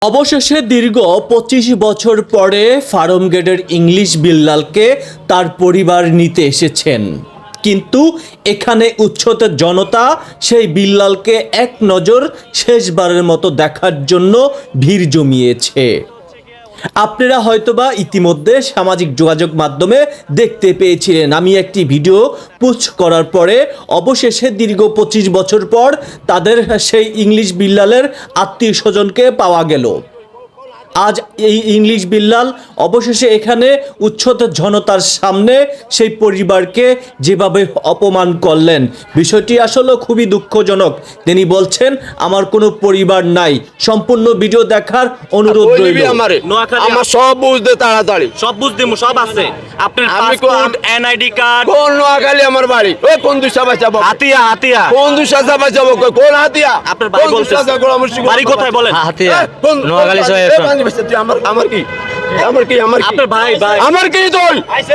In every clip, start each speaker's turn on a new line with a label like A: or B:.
A: অবশেষে দীর্ঘ ২৫ বছর পরে ফার্মগেটের ইংলিশ বিল্লালকে তার পরিবার নিতে এসেছেন, কিন্তু এখানে উচ্ছ্বসিত জনতা সেই বিল্লালকে এক নজর শেষবারের মতো দেখার জন্য ভিড় জমিয়েছে। আপনারা হয়তোবা ইতিমধ্যে সামাজিক যোগাযোগ মাধ্যমে দেখতে পেয়েছিলেন, আমি একটি ভিডিও পোস্ট করার পরে অবশেষে দীর্ঘ ২৫ বছর পর তাদের সেই ইংলিশ বিল্লালের আত্মীয় স্বজনকে পাওয়া গেল। আজ এই ইংলিশ বিল্লাল অবশেষে এখানে উচ্ছ্বসিত জনতার সামনে সেই পরিবারকে যেভাবে অপমান করলেন, বিষয়টি আসলে খুবই দুঃখজনক। তিনি বলছেন, আমার কোনো পরিবার নাই। সম্পূর্ণ ভিডিও দেখার অনুরোধ রইল।
B: আমার সব বুঝতে তাড়াতাড়ি
A: সব বুঝতে সব আছে, আপনার পাসপোর্ট, এনআইডি কার্ড।
B: কোন নোয়াখালী আমার বাড়ি? ওই কোন দুশা বাঁচাবো?
A: হাতিয়া হাতিয়া
B: কোন দুশা বাঁচাবো? কোন হাতিয়া?
A: আপনার বাড়ি বলছে, বাড়ি কোথায় বলেন?
C: হাতিয়া নোয়াখালী শহর।
B: তুই আমার কি আমার কি আমার কি
A: আপনার ভাই ভাই
B: আমার কি তুই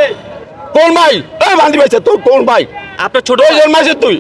B: কোন ভাই? এই বান্দি ভাই তুই কোন ভাই?
A: আপনার ছোট
B: ওই জন্মাইছে তুই?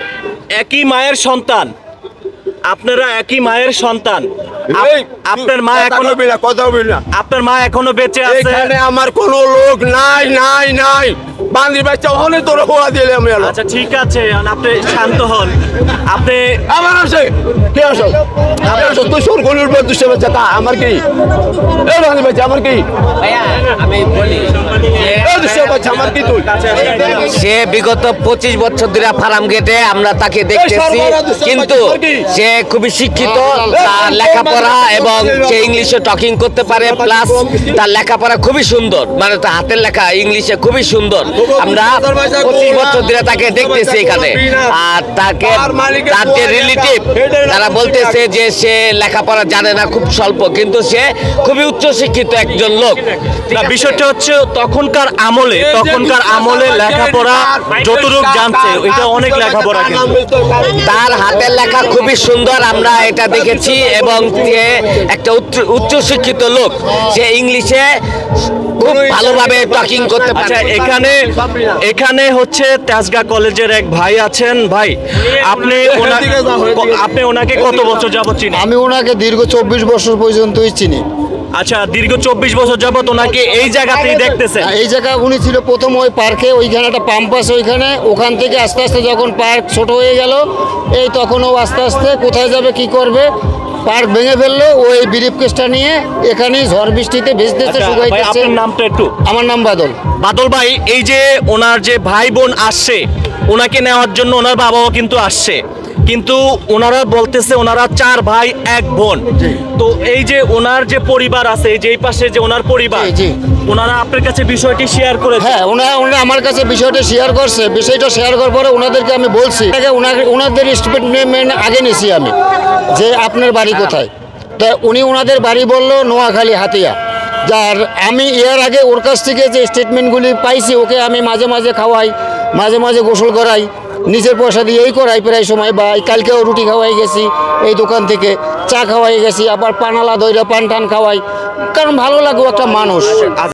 A: একই মায়ের সন্তান, আপনারা একই মায়ের সন্তান।
B: এই,
A: আপনার মা
B: কথা
A: এখনো
B: বলবি না, কথা বলবি না।
A: আপনার মা এখনো বেঁচে আছে।
B: এখানে আমার কোনো লোক নাই নাই নাই। বান্দি বাচ্চা ওখানে তোর হোয়া দিলে আমি আলো।
A: আচ্ছা ঠিক আছে, আপনি শান্ত হন। আপনি
B: আমার আছে কে আসো? তুই সর গলির উপর দুশো বাচ্চা তা আমার কি? এই বান্দি বাচ্চা আমার কি?
C: আমি বলি
B: এই দুশো বাচ্চা আমার কি তুই?
C: সে বিগত 25 বছর ধরে ফার্ম গেটে আমরা তাকে দেখতেছি, কিন্তু সে খুবই শিক্ষিত, তার লেখাপড়া এবং সে ইংলিশে টকিং করতে পারে, প্লাস তার লেখাপড়া খুবই সুন্দর, মানে তার হাতের লেখা ইংলিশে খুবই সুন্দর। আমরা 25 বছর ধরে তাকে দেখতেছি এখানে। আর তাকে তার যে রিলেটিভ তারা বলতেছে যে সে লেখাপড়া জানে না, খুব স্বল্প, কিন্তু সে খুবই উচ্চশিক্ষিত একজন লোক।
A: না, বিষয়টা হচ্ছে তখনকার আমলে লেখাপড়া যতটুকু জানছে এটা অনেক লেখাপড়া, কিন্তু
C: তার হাতের লেখা খুবই সুন্দর, আমরা এটা দেখেছি। এবং সে একটা উচ্চশিক্ষিত লোক, সে ইংলিশে খুব ভালোভাবে টকিং করতে পারে।
A: আচ্ছা, এখানে হচ্ছে তেজগাঁ কলেজের এক ভাই আছেন। ভাই, আপনি ওনাকে কত বছর যাবত চিনেন?
D: আমি ওনাকে দীর্ঘ 24 বছর পর্যন্তই চিনি।
A: আচ্ছা, দীর্ঘ 24 বছর যাবত ওনাকে এই জায়গাতেই দেখতেছেন?
D: এই জায়গা উনি ছিল প্রথম ওই পার্কে, ওইখানে একটা পাম্প আছে ওখান থেকে আস্তে আস্তে যখন পার্ক ছোট হয়ে গেল, এই তখন ও আস্তে আস্তে কোথায় যাবে কি করবে, পার্ক ভেঙে ফেললো। ওই ব্রিফ কেসটা নিয়ে এখানেই ঝড় বৃষ্টিতে ভেজতেছে,
A: আচ্ছা, ভাই,
D: শুকাইতেছে।
A: আপনার নামটা একটু?
D: আমার নাম বাদল।
A: বাদল ভাই, এই যে ওনার যে ভাই বোন আসছে ওনাকে নেওয়ার জন্য, ওনার বাবাও কিন্তু আসছে, কিন্তু ওনারা বলতেছে ওনারা 4 ভাই 1 বোন। তো এই যে ওনার যে পরিবার আছে, এই যে এই পাশে যে ওনার পরিবার,
D: জি।
A: ওনারা আপনার কাছে বিষয়টি শেয়ার করেছে?
D: হ্যাঁ, ওনারা আমার কাছে বিষয়টা শেয়ার করছে। বিষয়টা শেয়ার করার পরে ওনাদেরকে আমি বলছি, ওনাদের স্টেটমেন্ট আগে নিছি আমি, যে আপনার বাড়ি কোথায়। তা উনি ওনাদের বাড়ি বলল নোয়াখালী হাতিয়া। যার আমি এর আগে ওর কাছ থেকে যে স্টেটমেন্টগুলি পাইছি, ওকে আমি মাঝে মাঝে খাওয়াই, মাঝে মাঝে গোসল করাই, নিজের পয়সা দিয়েই করাই প্রায় সময়। বা কালকেও রুটি খাওয়াই গেছি এই দোকান থেকে, চা খাওয়াই গেছি, আবার পানালা দইরা পান টান খাওয়াই, কারণ ভালো লাগবে একটা মানুষ।